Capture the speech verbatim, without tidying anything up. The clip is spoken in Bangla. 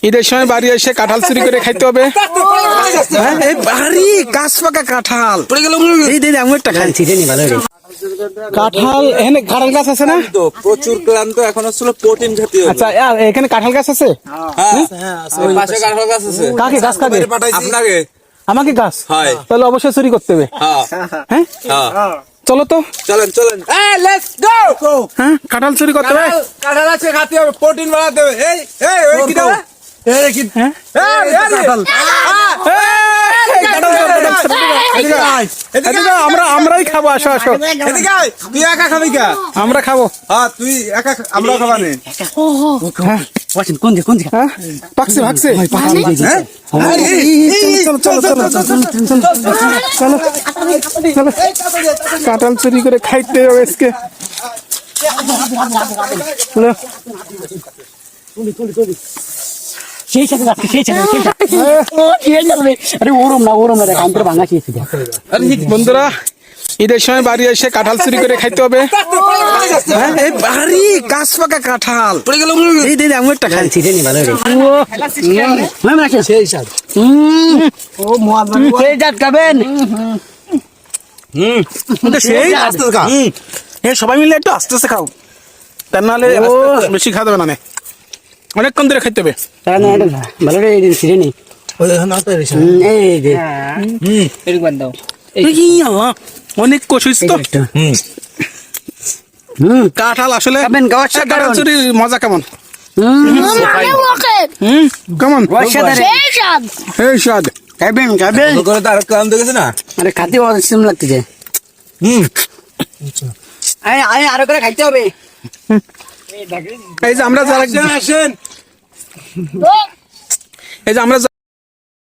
ঈদের সময় বাড়ি এসে কাঁঠাল চুরি করে খাইতে হবে। হ্যাঁ, এই বাড়ি গাছ পাকা কাঁঠাল এই দিদি আমি একটা খাইছি রে ভালো রে। কাঁঠাল এখানে কাঁঠাল গাছ আছে না? তো প্রচুর ক্লান্ত এখন হচ্ছিল প্রোটিন জাতীয়। আচ্ছা আর এখানে কাঁঠাল গাছ আছে? হ্যাঁ ওই পাশে কাঁঠাল গাছ আছে। কাকে গাছ কাকে? আপনাকে। আমাকে গাছ? হয়। তাহলে অবশ্যই চুরি করতে হবে। হ্যাঁ হ্যাঁ হ্যাঁ চলো তো। চলেন চলেন। এই লেটস গো। হ্যাঁ কাঁঠাল চুরি করতে হবে। কাঁঠাল আছে খাতে হবে, প্রোটিন বাড়াতে হবে। এই এই ওই কি দাও? এই কি? হ্যাঁ এই কাঁঠাল। এদিকে আমরা আমরাই খাবো। আসো আসো এদিকে আয়। তুই একা খাবি কা? আমরা খাবো। হ্যাঁ তুই একা আমরা খাবা নে। ওয়াচিন কোন দিকে কোন দিকে? হ্যাঁ পাকছে ভাগছে। হ্যাঁ? চলো চলো চলো চলো চলো চলো কাঁঠাল চুরি করে খাইতে হবে আজকে। চলো। সেই সাথে যাচ্ছে সেই সাথে সেই সাথে ও কি যাবে? আরে ওরম না ওরম না দেখ আমি তো ভাঙা খেয়েছি দেখ। বন্ধুরা ঈদের সময় বাড়ি এসে কাঁঠাল চুরি করে খাইতে হবে। হ্যাঁ, এই বাড়ি গাছ পাকা কাঁঠাল এই দিদি আমি একটা খাইছি রে ভালো রে। ও মামা সেই সাথে হুম ও মোয়াল সেই জাত খাবেন। হুম সেই আস্তে খা। এ সবাই মিলে একটু আস্তে আস্তে খাও, তা নাহলে বেশি খাওয়া যাবে না। অনেকক্ষণ ধরে খাইতে হবে। তাই না এটা ভালো রে এই দিন ছিড়ে নি এই যে হুম এরকম দাও অনেক কষিস তো। হুম হুম কাঁঠাল আসলে খাবেন গাওয়ার এ, কাঁঠাল সাথে চুরির মজা কেমন? হুম হুম কেমন? গাওয়ার সাথে এই স্বাদ। খাবেন খাবেন করে তো আর ক্লান্ত গেছে না। আরে খাতে অসম লাগতেছে। হুম আয় আয় আরো করে খাইতে হবে। এই যে আমরা যারা আসেন। এই যে আমরা